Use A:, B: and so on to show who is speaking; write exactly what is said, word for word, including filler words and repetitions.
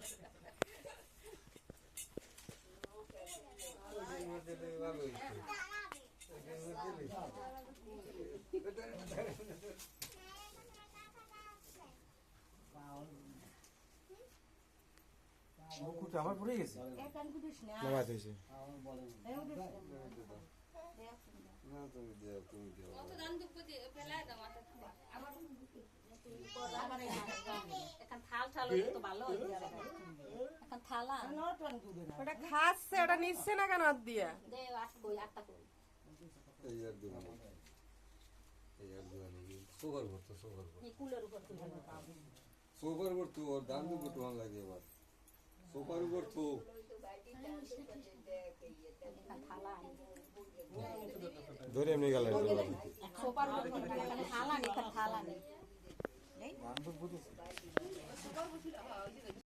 A: মুকুট আমার পড়ে গেছে নামাজ হয়েছে না তুমি দাও তুমি দাও কত দান দুঃখ দিয়ে ফেলায় দাও মাথা আমার আমার এখন থাল থাল তো ভালো হয়ে যাবে এখন থালা ওটা খাচ্ছে ওটা নিচ্ছে না কেন হাত দিয়া দে আট কই আটটা কই এই আর দুই এই আর দুই নেই সোবার করতে সোবার করতে এই কুলের উপর তুলে সোবার করতে ওর দান দুঃখ তো ভালো লাগে এবার সোবার উপর তো থালা ধরে এমনি গেল সোপার থালা নেই থালা নেই এই বান্ধব বুঝেছে সোপার বুঝিলা ওই যে